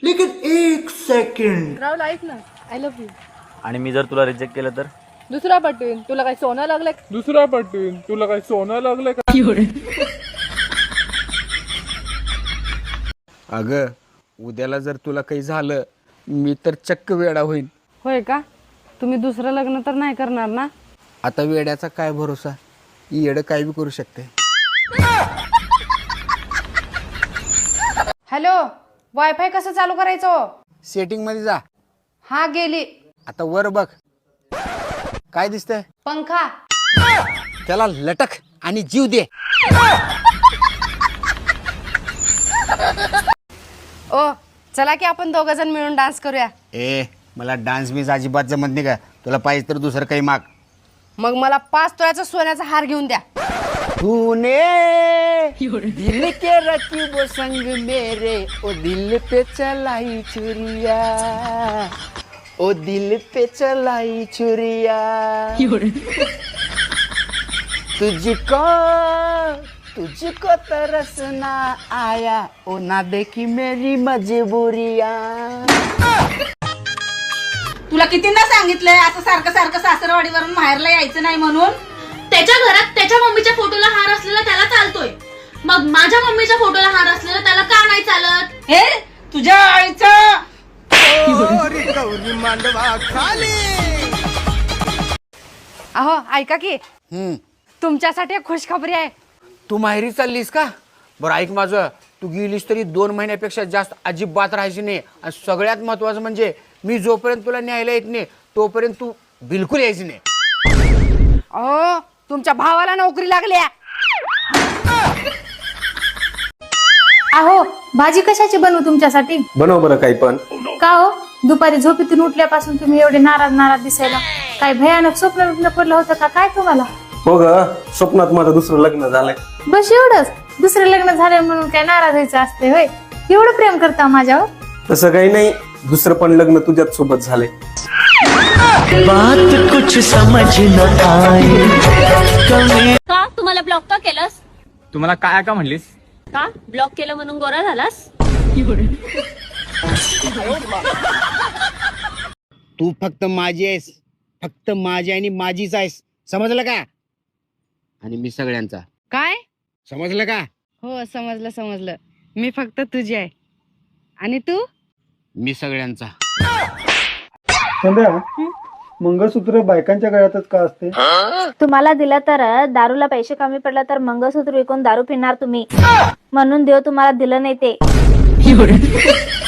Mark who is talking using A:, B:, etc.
A: लेकिन एक सेकंड
B: राहुल ऐक ना, आय लव्ह यू.
C: आणि मी जर तुला रिजेक्ट केलं तर?
B: दुसरा पटवीन, तुला काय सोनं लागलंय का?
D: अगं उद्याला जर तुला काही झालं मी तर चक्क वेडा होईन.
B: होय का? तुम्ही दुसरं लग्न तर नाही करणार ना?
D: आता वेड्याचा काय भरोसा, येडं काय बी करू शकते.
B: हॅलो, वायफाय कसं चालू करायचं?
D: सेटिंग मध्ये जा.
B: हा गेली.
D: आता वर बघ काय दिसतंय.
B: पंखा.
D: त्याला लटक आणि जीव दे.
B: ओ चला की आपण दोघ जण मिळून डान्स करूया.
D: मला डान्स बीज अजिबात जमत नाही का. तुला पाहिजे तर दुसरं काही माग.
B: मग मला 5 तोळ्याचा सोन्याचा हार घेऊन द्या.
D: तूने दिल के रकीब संग मेरे ओ दिल पे चलाई छुरिया, ओ दिल पे चलाई छुरिया. तुझको तरसना आया ओ ना देखी मेरी मजबूरिया.
E: तुला कितींदा सांगितलंय असं सारखं सारखं सासरवाडीवरून माहेरला यायचं नाही म्हणून.
F: त्याच्या घरात त्याच्या मम्मीच्या फोटोला हार असलेला त्याला चालतोय, मग माझ्या मम्मीच्या फोटोला हार असलेला त्याला का नाही चालत?
E: हे तुझ्या आईचं.
B: अहो ऐका की, तुमच्यासाठी एक खुशखबरी आहे.
D: तू माहेरी चाललीस का? बरं ऐक माझं, तू गेलीस तरी 2 महिन्यापेक्षा जास्त अजिबात राहायची नाही. आणि सगळ्यात महत्वाचं म्हणजे मी जोपर्यंत तुला न्यायला येत नाही तोपर्यंत तू बिलकुल यायची नाही.
B: अहो तुमच्या भावाला नोकरी लागली आहे.
G: अहो भाजी कशाची बनवू तुमच्यासाठी?
H: बनव बरं काही पण.
G: का हो दुपारी झोपेतून उठल्यापासून तुम्ही एवढे नाराज दिसायला? काय भयानक स्वप्न पडलं होतं का काय तुम्हाला?
H: हो ग, स्वप्नात माझं दुसरं लग्न झालंय.
G: बस एवढंच? दुसरं लग्न झालंय म्हणून काय नाराज व्हायचं असते होय? एवढं प्रेम करता माझ्यावर?
H: तसं काही नाही, दुसरं पण लग्न तुझ्याच सोबत झालंय.
F: का तुम्हाला ब्लॉक का केलंस?
C: तुम्हाला काय का म्हणलीस?
F: का ब्लॉक केलं म्हणून गोरा झालास?
D: तू फक्त माझी आहेस, फक्त माझी आणि माझीच आहेस. समजलं का? आणि मी सगळ्यांचा.
B: काय?
D: समजलं का?
B: हो समजलं. मी फक्त तुझी आहे आणि तू?
D: मी सगळ्यांचा.
I: संध्या, मंगळसूत्र बायकांच्या गळ्यातच का असते?
G: तुम्हाला दिलं तर दारूला पैसे कमी पडलं तर मंगळसूत्र विकून दारू पिणार तुम्ही, म्हणून देव तुम्हाला दिलं नाही ते.